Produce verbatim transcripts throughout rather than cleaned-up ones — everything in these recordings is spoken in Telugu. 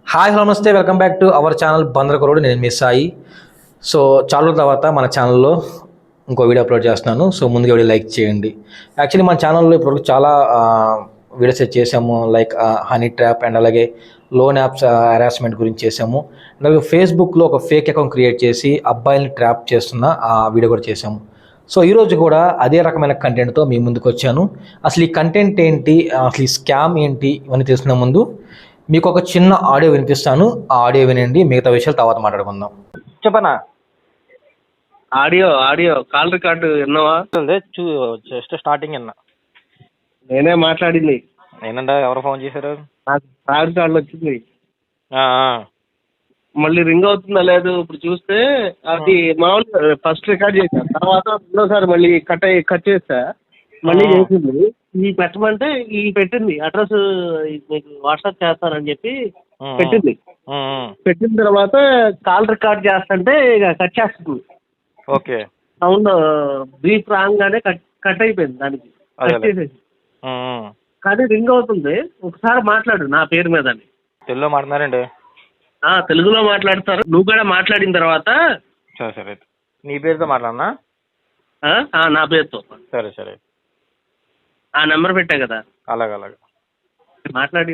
హాయ్ హలో నమస్తే welcome back to our channel బందరకరోడ్. నేను మీ సాయి. సో చాలా రోజుల తర్వాత మన ఛానల్లో ఇంకో వీడియో అప్లోడ్ చేస్తున్నాను. సో ముందుగా వీడియో లైక్ చేయండి. యాక్చువల్లీ మన ఛానల్లో ఇప్పటివరకు చాలా వీడియోస్ చేసాము, లైక్ హనీ ట్రాప్ అండ్ అలాగే లోన్ యాప్స్ హెరాస్మెంట్ గురించి చేసాము. అలాగే ఫేస్బుక్లో ఒక ఫేక్ అకౌంట్ క్రియేట్ చేసి అబ్బాయిల్ని ట్రాప్ చేస్తున్న ఆ వీడియో కూడా చేసాము. సో ఈరోజు కూడా అదే రకమైన కంటెంట్తో మీ ముందుకు వచ్చాను. అసలు ఈ కంటెంట్ ఏంటి, అసలు ఈ స్కామ్ ఏంటి, ఇవన్నీ తెలుసుకునే ముందు మీకు ఒక చిన్న ఆడియో వినిపిస్తాను. ఆ ఆడియో వినండి, మిగతా విషయాలు తర్వాత మాట్లాడుకుందాం. చెప్పనా? ఆడియో ఆడియో కాల్ రికార్డు విన్నావా? చూ జస్ట్ స్టార్టింగ్ విన్నా. నేనే మాట్లాడింది. నేనంట. ఎవరు ఫోన్ చేశారు? నాకు కాల్ రికార్డు వచ్చింది. ఆ, ఆ. మళ్ళీ రింగ్ అవుతుందా లేదు ఇప్పుడు చూస్తే అది మామూలుగా ఫస్ట్ రికార్డ్ చేశా, తర్వాత రెండోసారి మళ్ళీ కట్ అయ్యి కట్ చేస్తా, మళ్ళీ చేసింది. ఈ పెట్టమంటే ఈ పెట్టింది అడ్రస్ మీకు వాట్సాప్ చేస్తానని చెప్పి పెట్టింది. పెట్టిన తర్వాత కాల్ రికార్డ్ చేస్తుంటే ఇక కట్ చేస్తుంది. ఓకే. సౌండ్ బ్రీఫ్ రాగానే కట్ కట్ అయిపోయింది, దానికి కట్ చేసేసి. కానీ రింగ్ అవుతుంది. ఒకసారి మాట్లాడు నా పేరు మీద. తెలుగులో మాట్లాడారండి? తెలుగులో మాట్లాడతారు. నువ్వు కూడా మాట్లాడిన తర్వాత సరే సరే. నీ పేరుతో మాట్లాడనా? నా పేరుతో. సరే సరే. ఆ నెంబర్ పెట్టా కదా, అలాగే అలాగే మాట్లాడి.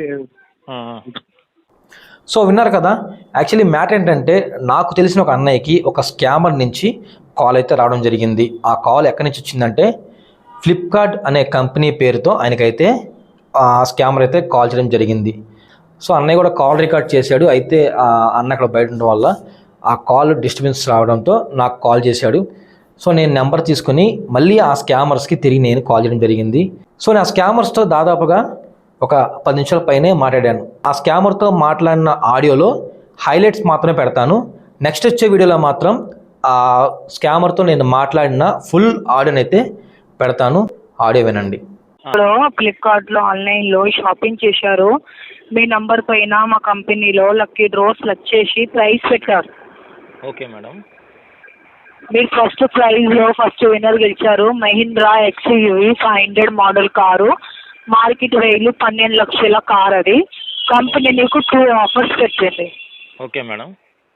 సో విన్నారు కదా. యాక్చువల్లీ మ్యాటర్ ఏంటంటే, నాకు తెలిసిన ఒక అన్నయ్యకి ఒక స్కామర్ నుంచి కాల్ అయితే రావడం జరిగింది. ఆ కాల్ ఎక్కడి నుంచి వచ్చిందంటే, ఫ్లిప్కార్ట్ అనే కంపెనీ పేరుతో ఆయనకైతే ఆ స్కామర్ అయితే కాల్ చేయడం జరిగింది. సో అన్నయ్య కూడా కాల్ రికార్డ్ చేశాడు. అయితే ఆ అన్న అక్కడ బయట ఉండడం వల్ల ఆ కాల్ డిస్టర్బెన్స్ రావడంతో నాకు కాల్ చేశాడు. సో నేను నెంబర్ తీసుకుని మళ్ళీ ఆ స్కామర్స్కి తిరిగి నేను కాల్ చేయడం జరిగింది. సో నేను ఆ స్కామర్స్తో దాదాపుగా ఒక పది నిమిషాల పైనే మాట్లాడాను. ఆ స్కామర్తో మాట్లాడిన ఆడియోలో హైలైట్స్ మాత్రమే పెడతాను. నెక్స్ట్ వచ్చే వీడియోలో మాత్రం ఆ స్కామర్తో నేను మాట్లాడిన ఫుల్ ఆడియోని అయితే పెడతాను. ఆడియో వినండి. ఇప్పుడు ఫ్లిప్కార్ట్లో ఆన్లైన్లో షాపింగ్ చేశారు. మీ నంబర్ పైన మా కంపెనీలో లక్కీ డ్రాస్ లక్ చేసి ప్రైజ్ పెట్టారు. Okay madam. మీరు ఫస్ట్ ప్రైజ్లో ఫస్ట్ విన్నర్ గెలిచారు. Mahindra XUV five hundred model car. Market వేలు పన్నెండు లక్షల కార్. అది కంపెనీ నీకు టూ ఆఫర్స్ పెట్టింది. Okay madam.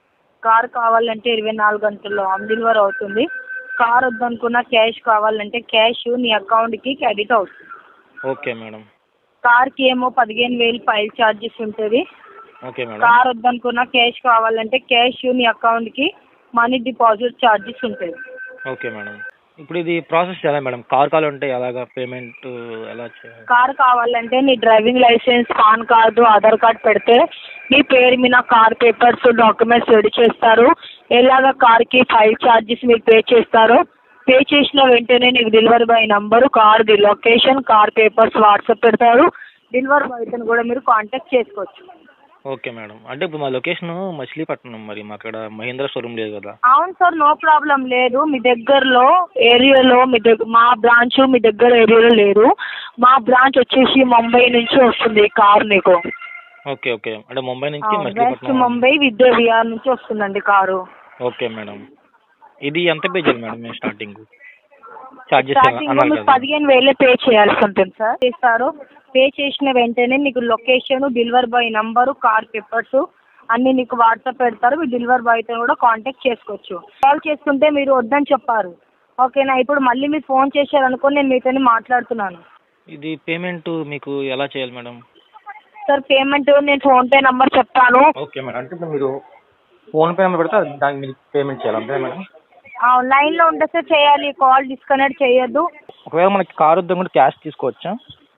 కార్ కావాలంటే ఇరవై నాలుగు గంటల్లో హోమ్ డెలివరీ అవుతుంది. కార్ వద్దనుకున్న క్యాష్ కావాలంటే క్యాష్ నీ అకౌంట్కి క్రెడిట్ అవుతుంది. Okay madam. కార్కి ఏమో పదిహేను వేలు ఫైల్ ఛార్జెస్ ఉంటుంది. Okay madam. కార్ వద్దనుకున్న క్యాష్ కావాలంటే క్యాష్ నీ అకౌంట్కి మనీ డిపాజిట్ ఛార్జెస్ ఉంటుంది. Okay madam. ఇప్పుడు ఇది ప్రాసెస్ ఎలా మేడం? కార్ కావాలంటే ఎలాగా పేమెంట్ ఎలా చేయాలి? కార్ కావాలంటే నీ driving licence, PAN card, Aadhaar card పెడితే నీ పేరు మీద కార్ పేపర్స్, డాక్యుమెంట్స్ రెడీ చేస్తారు. ఎలాగ కార్కి ఫైల్ ఛార్జెస్ మీరు పే చేస్తారు. పే చేసిన వెంటనే నీకు డెలివరీ బాయ్ నంబరు, కార్ది లొకేషన్, కార్ పేపర్స్ వాట్సాప్ పెడతారు. డెలివరీ బాయ్తో కూడా మీరు కాంటాక్ట్ చేసుకోవచ్చు. Okay madam. అంటే ఇప్పుడు మా లొకేషన్ మచిలీపట్నం, మరి మా అక్కడ మహీంద్రా షోరూమ్ లేదు కదా? అవును సార్, నో ప్రాబ్లం లేదు. మీ దగ్గరలో ఏరియాలో మీ దగ్గర మా బ్రాంచ్ మీ దగ్గర ఏరియాలో లేదు. మా బ్రాంచ్ వచ్చేసి ముంబై నుంచి వస్తుంది కార్ నీకు. Okay okay. అంటే ముంబై నుంచి వెస్ట్ మచిలీపట్నం. ముంబై విద్యా విహార్ నుంచి వస్తుందండి కారు. Okay madam. ఇది ఎంత పే చేయాలి మేడం? మేము స్టార్టింగ్ చార్జెస్ స్టార్టింగ్ అన్నారు మీకు కదా? పదిహేను వేలే పే చేయాల్సి ఉంటుంది సార్. చేస్తారు. పే చేసిన వెంటనే మీకు location, delivery boy number, car papers అన్నీ నీకు వాట్సాప్ పెడతారు. మీ డెలివరీ బాయ్తో కూడా కాంటాక్ట్ చేసుకోవచ్చు. కాల్ చేసుకుంటే మీరు వద్దని చెప్పారు. ఓకేనా? ఇప్పుడు మళ్ళీ మీరు ఫోన్ చేశారనుకో, నేను మీతో మాట్లాడుతున్నాను. ఇది పేమెంట్ మీకు ఎలా చేయాలి మేడం? సార్ పేమెంట్ నేను ఫోన్పే నంబర్ చెప్తాను. Okay madam. అంటే ఇప్పుడు మీరు ఫోన్పే నెంబర్ పెడితే దానికి మీరు పేమెంట్ చేయాలి అంతే మేడం? లైన్లో ఉంటే సార్ చేయాలి, కాల్ డిస్కనెక్ట్ చేయొద్దు. ఒకవేళ మనకి కార్ వద్ద కూడా క్యాష్ తీసుకోవచ్చా?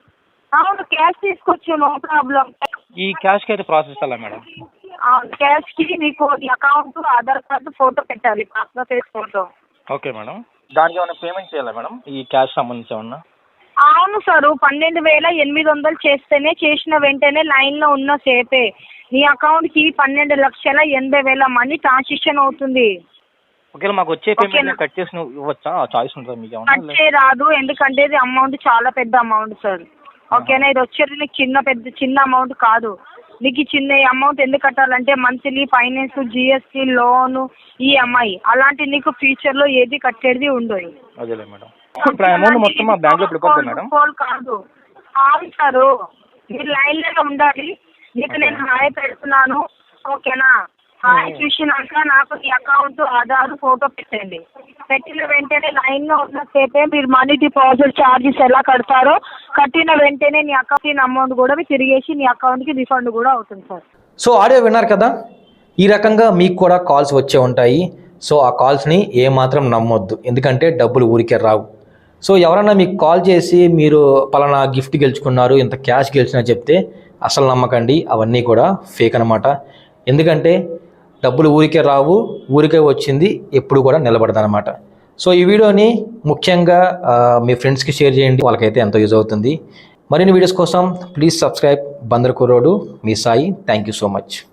అవును, క్యాష్ తీసుకోవచ్చు, నో ప్రాబ్లం. ఈ క్యాష్కి అయితే ప్రాసెస్ ఎలా మేడం? క్యాష్కి మీకు అకౌంట్, ఆధార్ కార్డు, ఫోటో పెట్టాలి, passport size photo. Okay madam. దానికి ఏమైనా పేమెంట్ చేయాలా మేడం ఈ క్యాష్ సంబంధించి ఏమన్నా? అవును సార్, పన్నెండు వేల ఎనిమిది వందలు చేస్తేనే, చేసిన వెంటనే లైన్లో ఉన్న సేపే నీ అకౌంట్కి పన్నెండు లక్షల ఎనభై వేల మనీ ట్రాన్సాక్షన్ అవుతుంది. ఒకవేళ మాకు వచ్చే పేమెంట్ కట్ చేసి ఇవ్వచ్చా? చాయిస్ ఉంటుందా మీకు ఏమన్నా? కట్ చే రాదు, ఎందుకంటే ఇది అమౌంట్ చాలా పెద్ద అమౌంట్ సార్. ఓకేనా? ఇది వచ్చేది నీకు చిన్న పెద్ద చిన్న అమౌంట్ కాదు. నీకు చిన్న అమౌంట్ ఎందుకు కట్టాలంటే monthly finance, GST, loan, EMI అలాంటి నీకు ఫ్యూచర్లో ఏది కట్టేది ఉండదు. అదేలే మేడం. ఇప్పుడు అమౌంట్ మొత్తం మా బ్యాంక్లో పడిపోతుంది మేడం? కాదు. అవును సార్, మీరు లైన్లోనే ఉండాలి. నీకు నేను హాయ్ పెడుతున్నాను, ఓకేనా? హాయ్ చూసినాక నాకు నీ అకౌంట్ ఆధార్ ఫోటో పెట్టండి. పెట్టిన వెంటనే లైన్ లో ఉన్న సేపే మీరు మనీ డిపాజిట్ ఛార్జెస్ ఎలా కడతారో కట్టిన వెంటనే నీ అకౌంట్ అమౌంట్ కూడా మీరు తిరిగేసి నీ అకౌంట్ కి రిఫండ్ కూడా అవుతుంది సార్. సో ఆడియో విన్నారు కదా, ఈ రకంగా మీకు కూడా కాల్స్ వచ్చే ఉంటాయి. సో ఆ కాల్స్ని ఏమాత్రం నమ్మొద్దు, ఎందుకంటే డబ్బులు ఊరికే రావు. సో ఎవరన్నా మీకు కాల్ చేసి మీరు పలానా గిఫ్ట్ గెలుచుకున్నారు, ఇంత క్యాష్ గెలిచినా చెప్తే అసలు నమ్మకండి, అవన్నీ కూడా ఫేక్ అనమాట. ఎందుకంటే డబ్బులు ఊరికే రావు, ఊరికే వచ్చింది ఎప్పుడు కూడా నిలబడదన్నమాట. సో ఈ వీడియోని ముఖ్యంగా మీ ఫ్రెండ్స్కి షేర్ చేయండి, వాళ్ళకైతే ఎంతో యూజ్ అవుతుంది. మరిన్ని వీడియోస్ కోసం ప్లీజ్ సబ్స్క్రైబ్ బందర్ కుర్రోడు, మీ Sai. Thank you so much.